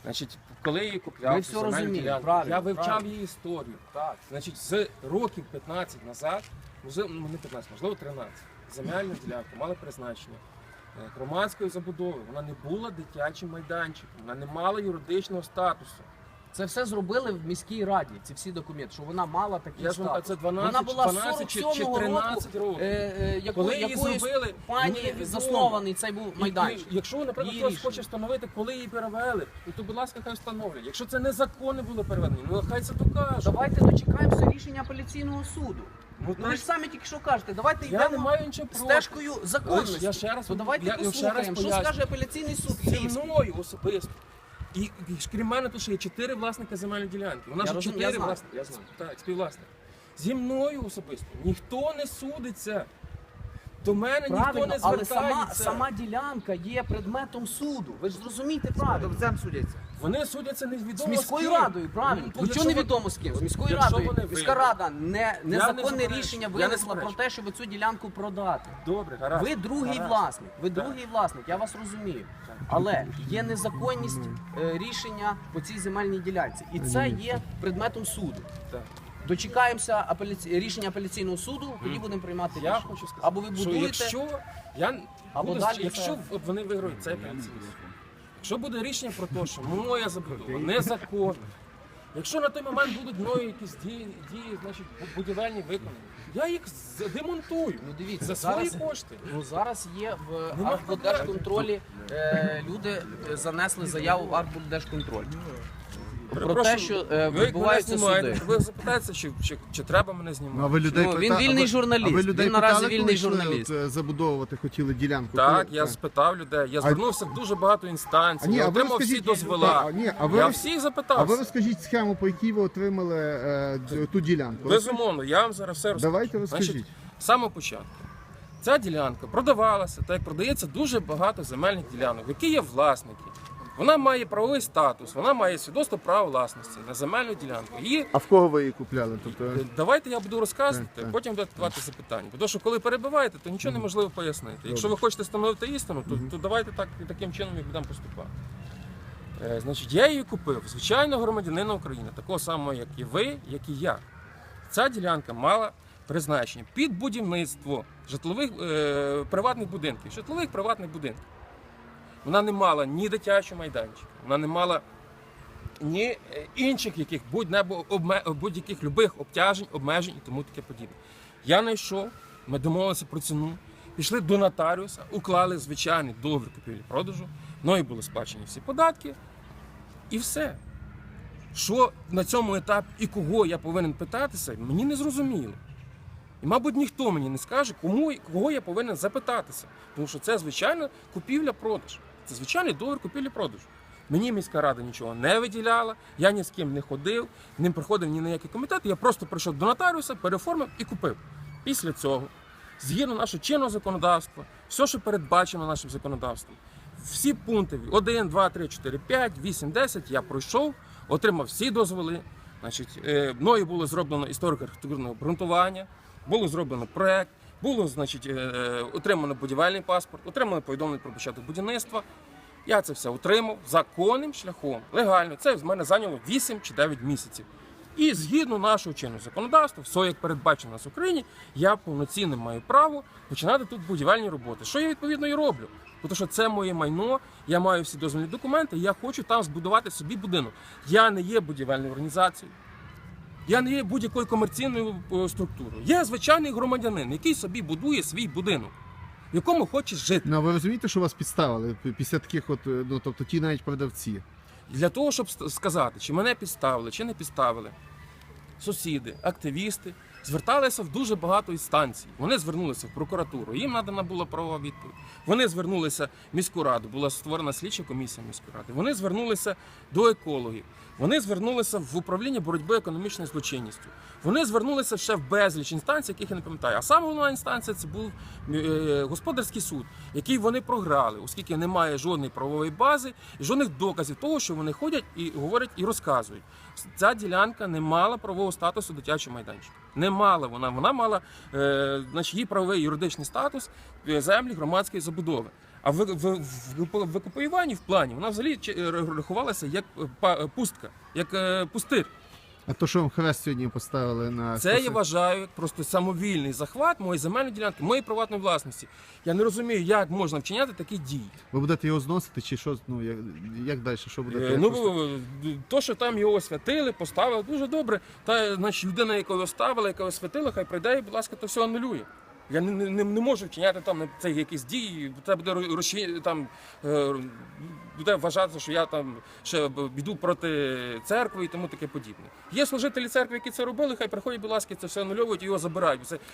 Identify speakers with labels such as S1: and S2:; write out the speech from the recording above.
S1: Значить, коли я її купляв,
S2: Ви все
S1: земельну
S2: розумієте,
S1: ділянку,
S2: правильно,
S1: я вивчав
S2: правильно.
S1: її історію.
S2: Так.
S1: Значить, з років 15 назад, можливо, не 15, можливо 13, земельна ділянка мала призначення громадської забудови. Вона не була дитячим майданчиком, вона не мала юридичного статусу.
S2: Це все зробили в міській раді, ці всі документи, що вона мала такий
S1: Я ж вам
S2: статус.
S1: кажу, це 12,
S2: Вона була
S1: 12 чи
S2: 47-го
S1: 13
S2: року,
S1: років. Коли її
S2: якоюсь
S1: зробили,
S2: пані
S1: невідомо.
S2: заснований цей був майданчик.
S1: Якщо, наприклад,
S2: Її
S1: хтось
S2: рішення.
S1: хоче встановити, коли її перевели, то, будь ласка, хай встановлять. Якщо це незаконне було переведення, ну хай це докаже.
S2: Давайте дочекаємося рішення апеляційного суду.
S1: Ну,
S2: Ну ви ж самі тільки що кажете, давайте
S1: я не
S2: йдемо
S1: маю нічого проти.
S2: стежкою законності.
S1: Я ще раз,
S2: То давайте
S1: я ще раз
S2: послухаємо, що
S1: поясню.
S2: скаже апеляційний суд
S1: Зі
S2: Львівський.
S1: мною особисто. І крім мене, тут ще є 4 власника земельної ділянки. Вона
S2: Я
S1: ж
S2: розумію,
S1: 4
S2: я знаю,
S1: власники.
S2: я знаю.
S1: Так, співвласник. Зі мною особисто ніхто не судиться. До мене ніхто
S2: Правильно,
S1: не
S2: але
S1: звертається.
S2: сама ділянка є предметом суду. Ви ж зрозумієте правильно.
S3: Продавцем судяться.
S1: Вони судяться невідомо
S2: З міською
S1: ким.
S2: радою, правильно.
S1: Ну,
S2: Нічого
S1: якщо
S2: невідомо з ким. З міською
S1: якщо
S2: радою.
S1: вони
S2: Міська
S1: виграють.
S2: рада
S1: не
S2: незаконне
S1: заперечую.
S2: рішення
S1: Я не
S2: винесла про
S1: заперечую.
S2: те, щоб цю ділянку продати.
S1: Добре, гаразд.
S2: Ви другий
S1: Гаразд.
S2: власник,
S1: Так.
S2: я вас розумію. Але є незаконність рішення по цій земельній ділянці. І це є предметом суду.
S1: Так.
S2: Дочекаємося рішення апеляційного суду, тоді будемо приймати
S1: Я
S2: рішення.
S1: хочу сказати,
S2: Або ви
S1: що
S2: будуєте,
S1: якщо я
S2: або
S1: буду,
S2: далі
S1: якщо
S2: це-
S1: вони виграють цей апеляційний суд, якщо буде рішення про те, що моя забудова незаконна, якщо на той момент будуть мною якісь дії, значить будівельні виконані, я їх демонтую
S2: Ну дивіться,
S1: за свої
S2: зараз,
S1: кошти.
S2: ну, зараз є в
S1: Нема
S2: Архбуддержконтролі, люди занесли заяву в Архбуддержконтроль. Про те,
S1: Перепрошую,
S2: що
S1: ви як мене
S2: відбуваються
S1: знімаєте,
S2: суди.
S1: ви запитаєте, чи треба мене знімати.
S4: Ну, а ви людей
S2: Ну, він
S4: питали-
S2: вільний
S4: а ви-
S2: журналіст,
S4: а ви людей
S2: він наразі
S4: питали, коли
S2: вільний
S4: йшли,
S2: журналіст.
S4: Забудовувати хотіли ділянку.
S1: Так,
S4: Коли-
S1: я спитав людей, я звернувся в дуже багато інстанцій,
S4: А ні,
S1: я
S4: а ви
S1: отримав всі
S4: розкажіть-
S1: дозвола.
S4: Ні, а ви
S1: Я
S4: роз-
S1: всіх
S4: А
S1: запитався.
S4: ви розкажіть схему, по якій ви отримали ту ділянку.
S1: Безумовно, я вам зараз все розкажу.
S4: Давайте розкажіть.
S1: Значить, з самого початку. Ця ділянка продавалася, так як продається дуже багато земельних ділянок, які є власники. Вона має правовий статус, вона має свідоцтво права власності на земельну ділянку. Її
S4: А в кого ви її купляли? Тобто,
S1: давайте я буду розказувати,
S4: Так.
S1: потім будете давати запитання. Тому що коли перебиваєте, то нічого неможливо пояснити. Якщо ви хочете встановити істину, то давайте таким чином і будемо поступати. Значить, я її купив, звичайно, громадянина України, такого самого, як і ви, як і я. Ця ділянка мала призначення під будівництво житлових приватних будинків, житлових приватних будинків. Вона не мала ні дитячого майданчика, вона не мала ні інших яких будь-яких любих обтяжень, обмежень і тому таке подібне. Я знайшов, ми домовилися про ціну, пішли до нотаріуса, уклали звичайний договір купівлі-продажу, мною були сплачені всі податки і все. Що на цьому етапі і кого я повинен питатися, мені не зрозуміло. І, мабуть, ніхто мені не скаже, кого я повинен запитатися. Тому що це звичайна купівля-продаж. Це звичайний договір купівлі-продажу. Мені міська рада нічого не виділяла, я ні з ким не ходив, не приходив ні на який комітет, я просто прийшов до нотаріуса, переоформив і купив. Після цього, згідно нашого чинного законодавства, все, що передбачено нашим законодавством, всі пункти 1, 2, 3, 4, 5, 8, 10 я пройшов, отримав всі дозволи. Значить, мною було зроблено історико-архітектурне обґрунтування, було зроблено проект, було, значить, отримано будівельний паспорт, отримано повідомлення про початок будівництва. Я це все отримав законним шляхом, легально. Це в мене зайняло 8 чи 9 місяців. І згідно нашого чинного законодавства, все як передбачено у нас в Україні, я повноцінно маю право починати тут будівельні роботи. Що я відповідно і роблю? Тому що це моє майно, я маю всі дозвільні документи, я хочу там збудувати собі будинок. Я не є будівельною організацією. Я не є будь-якою комерційною структурою. Я звичайний громадянин, який собі будує свій будинок, в якому хоче жити.
S4: ну, а ви розумієте, що вас підставили після таких от, ну, тобто ті навіть продавці?
S1: Для того, щоб сказати, чи мене підставили, чи не підставили, сусіди, активісти зверталися в дуже багато інстанцій. Вони звернулися в прокуратуру, їм надана була правова відповідь. Вони звернулися в міську раду, була створена слідча комісія міської ради. Вони звернулися до екологів. Вони звернулися в управління боротьби економічною злочинністю. Вони звернулися ще в безліч інстанцій, яких я не пам'ятаю. А саме головна інстанція це був господарський суд, який вони програли, оскільки немає жодної правової бази і жодних доказів того, що вони ходять і говорять і розказують. Ця ділянка не мала правового статусу дитячого майданчика. Не мала вона мала значить, її правовий юридичний статус землі громадської забудови. А в викупуванні в плані вона взагалі рахувалася як пустка, як пустир.
S4: А то, що вам хрест сьогодні поставили на
S1: Це я вважаю як просто самовільний захват моєї земельної ділянки, моєї приватної власності. Я не розумію, як можна вчиняти такі дії.
S4: Ви будете його зносити, чи що? Ну як далі? Що будете?
S1: То, що там його освятили, поставили, дуже добре. Та значить, людина, яка його ставила, яка освятила, хай прийде і, будь ласка, то все анулює. Я не можу вчиняти там це якісь дії, це буде буде вважатися, що я там ще йду проти церкви і тому таке подібне. Є служителі церкви, які це робили, хай приходять, будь ласка, це все анульовують і його забирають.